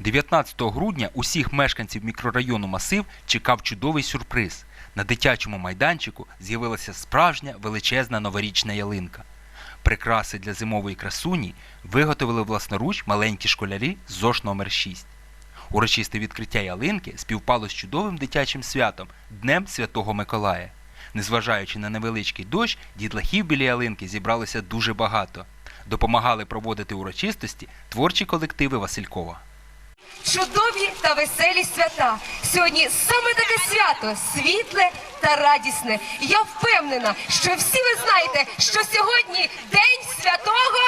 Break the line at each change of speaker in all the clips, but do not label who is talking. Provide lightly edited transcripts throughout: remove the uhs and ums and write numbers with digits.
19 грудня усіх мешканців мікрорайону Масив чекав чудовий сюрприз. На дитячому майданчику з'явилася справжня величезна новорічна ялинка. Прикраси для зимової красуні виготовили власноруч маленькі школярі з ЗОШ номер 6. Урочисте відкриття ялинки співпало з чудовим дитячим святом – Днем Святого Миколая. Незважаючи на невеличкий дощ, дітлахів біля ялинки зібралося дуже багато. Допомагали проводити урочистості творчі колективи Василькова.
Чудові та веселі свята. Сьогодні саме таке свято – світле та радісне. Я впевнена, що всі ви знаєте, що сьогодні День Святого...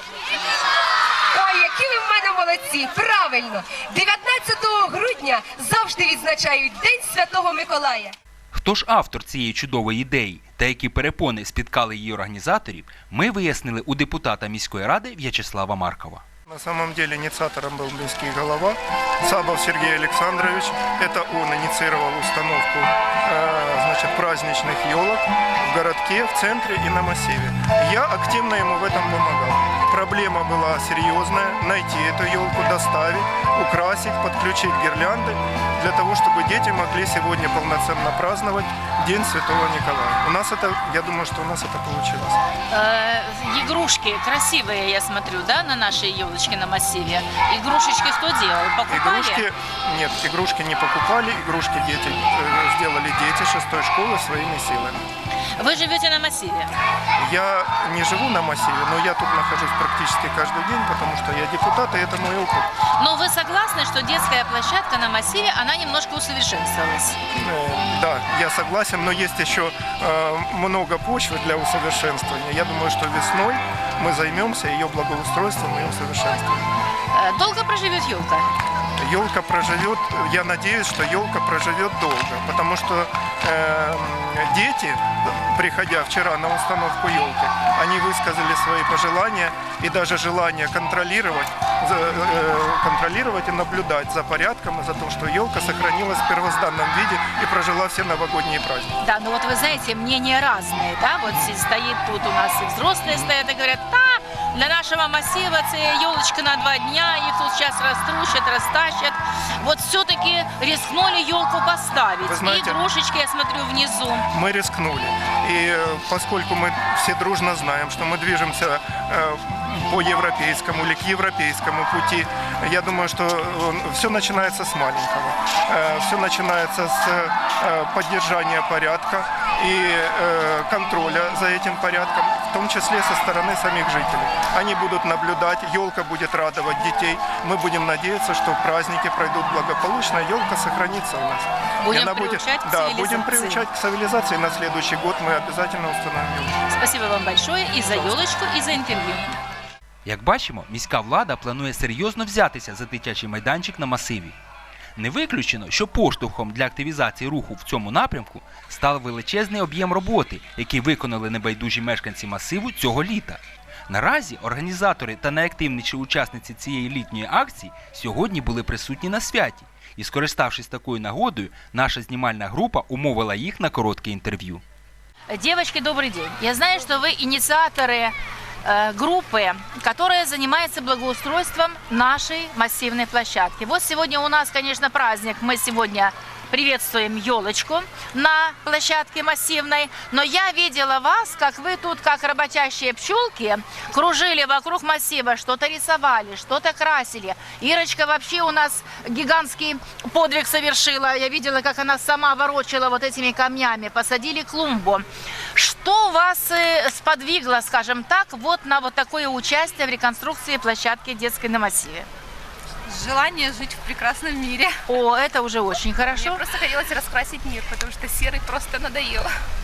Ой, які ви в мене молодці! Правильно! 19 грудня завжди відзначають День Святого Миколая.
Хто ж автор цієї чудової ідеї та які перепони спіткали її організаторів, ми вияснили у депутата міської ради В'ячеслава Маркова.
На самом деле инициатором был міський голова Сабов Сергей Александрович. Это он инициировал установку праздничных елок в городке, в центре и на массиве. Я активно ему в этом помогал. Проблема была серьезная – найти эту елку, доставить, украсить, подключить гирлянды, для того, чтобы дети могли сегодня полноценно праздновать День Святого Николая. У нас это, я думаю, что у нас это получилось.
Игрушки красивые, я смотрю, да, на нашей елочке на массиве. Игрушечки кто делал? Покупали?
Игрушки, нет, игрушки не покупали, игрушки дети сделали дети 6-й школы своими силами.
Вы живете на массиве?
Я не живу на массиве, но я тут нахожусь практически каждый день, потому что я депутат, и это мой опыт.
Но вы согласны, что детская площадка на массиве, она немножко усовершенствовалась?
Да, я согласен, но есть еще много почвы для усовершенствования. Я думаю, что весной мы займемся ее благоустройством и усовершенствованием.
Долго проживет елка?
Елка проживет, я надеюсь, что елка проживет долго, потому что дети, приходя вчера на установку елки, они высказали свои пожелания и даже желание контролировать и наблюдать за порядком и за то, что елка сохранилась в первозданном виде и прожила все новогодние праздники.
Да, ну вот вы знаете, мнения разные, да, вот стоит тут у нас и взрослые стоят и говорят, да, для нашего массива это елочка на 2 дня, их тут сейчас раструщат, растащат. Вот все-таки рискнули елку поставить.
Знаете,
и игрушечки, я смотрю, внизу.
Мы рискнули. И поскольку мы все дружно знаем, что мы движемся по европейскому или к европейскому пути, я думаю, что все начинается с маленького. Все начинается с поддержания порядка и контроля за этим порядком, в том числе со стороны самих жителей. Они будут наблюдать, елка будет радовать детей. Мы будем надеяться, что праздники пройдут благополучно, елка сохранится у нас.
Будем приучать к цивилизации.
Будем приучать к цивилизации. На следующий год мы обязательно установим елку.
Спасибо вам большое и за елочку, и за интервью.
Як бачимо, міська влада планує серйозно взятися за дитячий майданчик на масиві. Не виключено, що поштовхом для активізації руху в цьому напрямку став величезний об'єм роботи, який виконали небайдужі мешканці масиву цього літа. Наразі організатори та найактивніші учасниці цієї літньої акції сьогодні були присутні на святі. І, скориставшись такою нагодою, наша знімальна група умовила їх на коротке інтерв'ю.
Девочки, добрый день. Я знаю, что вы инициаторы группы, которая занимается благоустройством нашей массивной площадки. Вот сегодня у нас, конечно, праздник. Мы сегодня приветствуем елочку на площадке массивной. Но я видела вас, как вы тут, как работящие пчелки, кружили вокруг массива, что-то рисовали, что-то красили. Ирочка вообще у нас гигантский подвиг совершила. Я видела, как она сама ворочала вот этими камнями. Посадили клумбу. Что вас сподвигло, скажем так, вот на вот такое участие в реконструкции площадки детской на массиве?
Желание жить в прекрасном мире.
О, это уже очень хорошо.
Мне просто хотелось раскрасить мир, потому что серый просто надоел.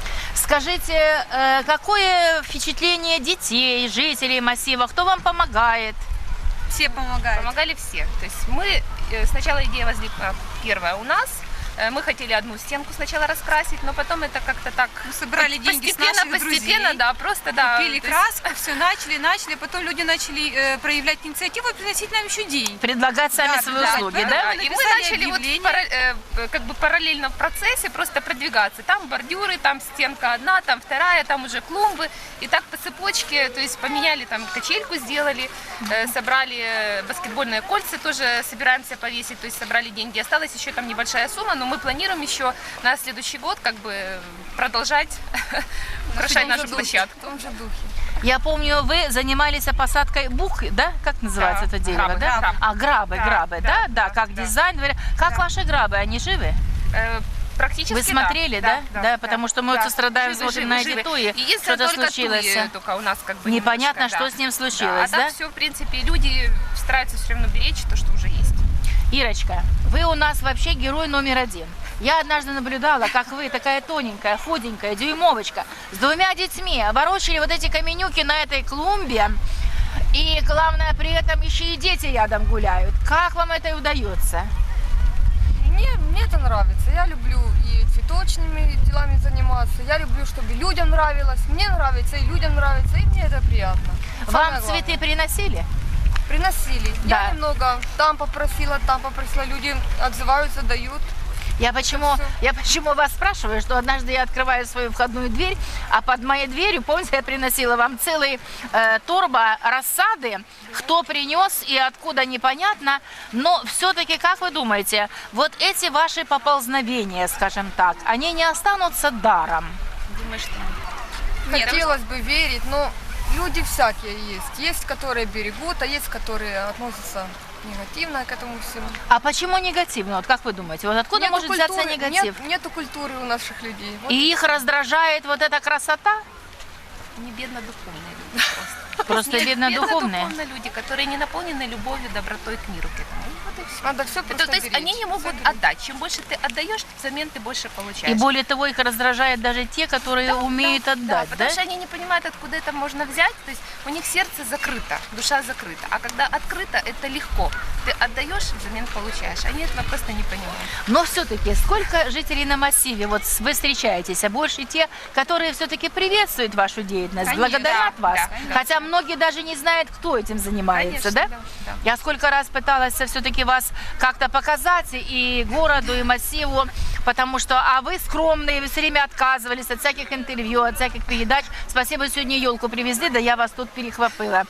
Скажите, какое впечатление детей, жителей массива, кто вам помогает?
Все помогают. Помогали все. То есть мы, сначала идея возникла первая у нас, Мы хотели одну стенку сначала раскрасить, но потом это как-то так
Мы собрали деньги с наших
постепенно,
друзей,
да, просто да.
купили
то есть-
краску, все начали, потом люди начали проявлять инициативу и приносить нам еще деньги.
Предлагать сами
Да,
свои
да,
услуги,
да,
да?
Да, и мы
написали
начали вот
объявление.
как бы параллельно в процессе просто продвигаться. Там бордюры, там стенка одна, там вторая, там уже клумбы. И так по цепочке, то есть поменяли, там качельку сделали, собрали баскетбольные кольца, тоже собираемся повесить, то есть собрали деньги. Осталась еще там небольшая сумма, но мы планируем еще на следующий год как бы продолжать украшать нашу площадку.
В том же духе.
Я помню, вы занимались посадкой бук, да? Как называется
Да,
это дерево,
грабы,
да?
грабы.
А, грабы,
Да,
грабы,
да,
да? Да,
да,
как
да.
дизайн. Как ваши грабы, они живы?
Практически
Вы смотрели, да? Да, потому что мы вот сострадаем,
Живы,
смотрим на
живы,
эти
живы.
туи,
Единственное,
что-то
только
случилось.
туи только у нас как бы
Непонятно,
немножко,
что
да.
с ним
Да,
случилось,
а
да?
так все, в принципе, люди стараются все равно беречь то, что уже есть.
Ирочка, вы у нас вообще герой номер один. Я однажды наблюдала, как вы, такая тоненькая, худенькая, дюймовочка, с двумя детьми ворочали вот эти каменюки на этой клумбе. И главное, при этом еще и дети рядом гуляют. Как вам это удается?
Мне это нравится. Я люблю и цветочными делами заниматься. Я люблю, чтобы людям нравилось. Мне нравится, и людям нравится, и мне это приятно.
Вам
Самое главное.
цветы приносили?
Приносили.
Да.
Я немного там попросила, люди отзываются, дают.
Я почему вас спрашиваю, что однажды я открываю свою входную дверь, а под моей дверью, помните, я приносила вам целый торба рассады, кто принес и откуда непонятно, но все-таки, как вы думаете, вот эти ваши поползновения, скажем так, они не останутся даром?
Думаю, что нет.
Хотелось бы верить, но люди всякие есть. Есть, которые берегут, а есть, которые относятся негативно к этому всему.
А почему негативно? Вот как вы думаете, вот откуда
Нету
может взяться
культуры,
негатив?
Нету культуры у наших людей. Вот
И их раздражает вот эта красота?
Не бедно-духовные люди просто.
Просто
Нет,
бедно-духовные.
бедно-духовные люди, которые не наполнены любовью, добротой к миру, к этому. И вот и всё.
надо все
Это,
просто
то есть
беречь.
они не могут отдать. Чем больше ты отдаешь, взамен ты больше получаешь.
И более того, их раздражает даже те, которые умеют отдать, да?
потому что они не понимают, откуда это можно взять. То есть у них сердце закрыто, душа закрыта. А когда открыто, это легко. Ты отдаешь, взамен получаешь. Они этого просто не понимают.
Но все-таки сколько жителей на массиве вот вы встречаетесь, а больше те, которые все-таки приветствуют вашу деятельность,
Конечно,
благодарят
да,
вас,
да.
хотя многие даже не знают, кто этим занимается,
Конечно,
да?
да.
Я сколько раз пыталась все-таки вас как-то показать и городу, и массиву, потому что, а вы скромные, вы все время отказывались от всяких интервью, от всяких передач. Спасибо, сегодня елку привезли, да я вас тут перехватила.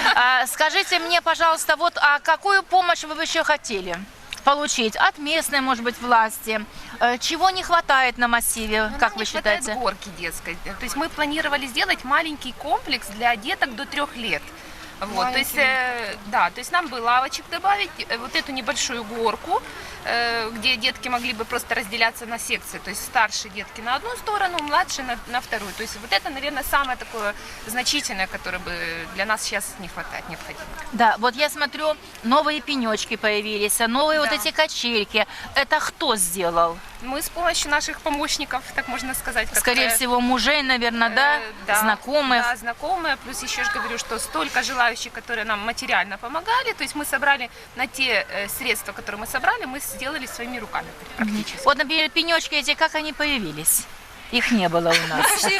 Скажите мне, пожалуйста, вот, а какую помощь вы бы еще хотели получить от местной, может быть, власти? Чего не хватает на массиве,
Но
как
нам
вы
не хватает
считаете?
горки детской. То есть мы планировали сделать маленький комплекс для деток до 3 лет. Вот, то есть, да, то есть нам бы лавочек добавить, вот эту небольшую горку, где детки могли бы просто разделяться на секции. То есть старшие детки на одну сторону, младшие на вторую. То есть вот это, наверное, самое такое значительное, которое бы для нас сейчас не хватает, необходимо.
Да, вот я смотрю, новые пенечки появились, новые вот
Да.
эти качельки. Это кто сделал?
Мы с помощью наших помощников, так можно сказать.
Скорее
как-то,
всего, мужей, наверное, да? Знакомых.
Да, знакомые. Плюс еще же говорю, что столько желающих, которые нам материально помогали. То есть мы собрали на те средства, которые мы собрали, мы сделали своими руками практически.
Вот, например, пенечки эти, как они появились? Их не было у нас.
Расскажите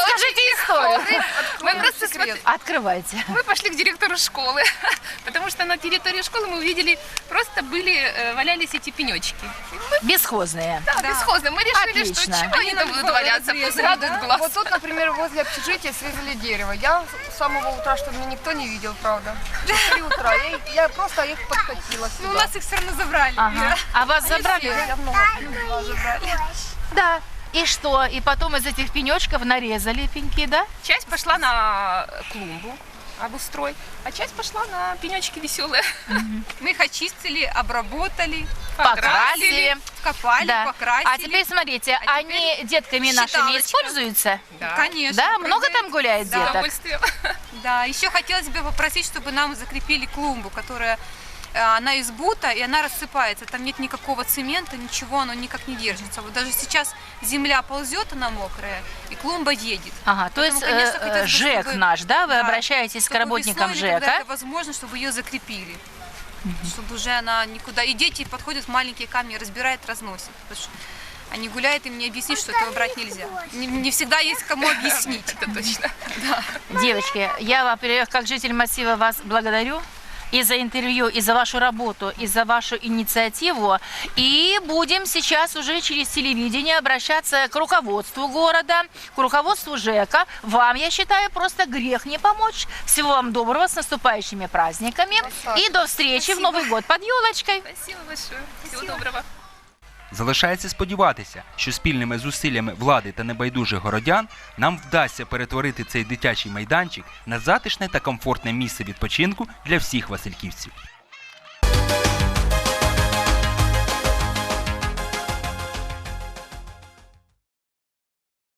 историю.
Мы просто
Открывайте.
мы пошли к директору школы, потому что на территории школы мы увидели, просто валялись эти пенечки.
Бесхозные.
Да, бесхозно. Мы решили,
Отлично.
что чего они там будут валяться, пусть радуют глаз.
Вот тут, например, возле общежития срезали дерево. Я с самого утра, чтобы меня никто не видел, правда. В 3 утра. Я просто их подкатила
Ну, у
сюда.
нас их все равно забрали.
Ага. А вас забрали?
Я много забрали.
Да. И что? И потом из этих пенечков нарезали пеньки, да?
Часть пошла на клумбу обустрой, а часть пошла на пенечки веселые.
Мы их очистили, обработали,
Покрасили.
копали,
Да.
покрасили.
А теперь смотрите, они детками нашими
считалочка.
используются?
Конечно.
Да? Много там гуляет
С
деток?
удовольствием.
Да, еще хотелось бы попросить, чтобы нам закрепили клумбу, которая она из бута, и она рассыпается. Там нет никакого цемента, ничего, оно никак не держится. Вот даже сейчас земля ползет, она мокрая, и клумба едет.
Ага, то есть
Поэтому, конечно, хотелось бы,
ЖЭК
чтобы-
наш, да? Вы
Да,
обращаетесь к
чтобы
работникам
весной, или когда
ЖЭКа?
это возможно, чтобы ее закрепили. чтобы уже она никуда... И дети подходят, маленькие камни разбирают, разносят. Потому что они гуляют, им не объяснить, что этого брать нельзя. Не всегда есть кому объяснить.
Это точно.
Девочки, я, во-первых, как житель массива вас благодарю и за интервью, и за вашу работу, и за вашу инициативу. И будем сейчас уже через телевидение обращаться к руководству города, к руководству ЖЭКа. Вам, я считаю, просто грех не помочь. Всего вам доброго, с наступающими праздниками. И до встречи в Новый год под елочкой.
Спасибо большое. Всего доброго.
Залишається сподіватися, що спільними зусиллями влади та небайдужих городян нам вдасться перетворити цей дитячий майданчик на затишне та комфортне місце відпочинку для всіх васильківців.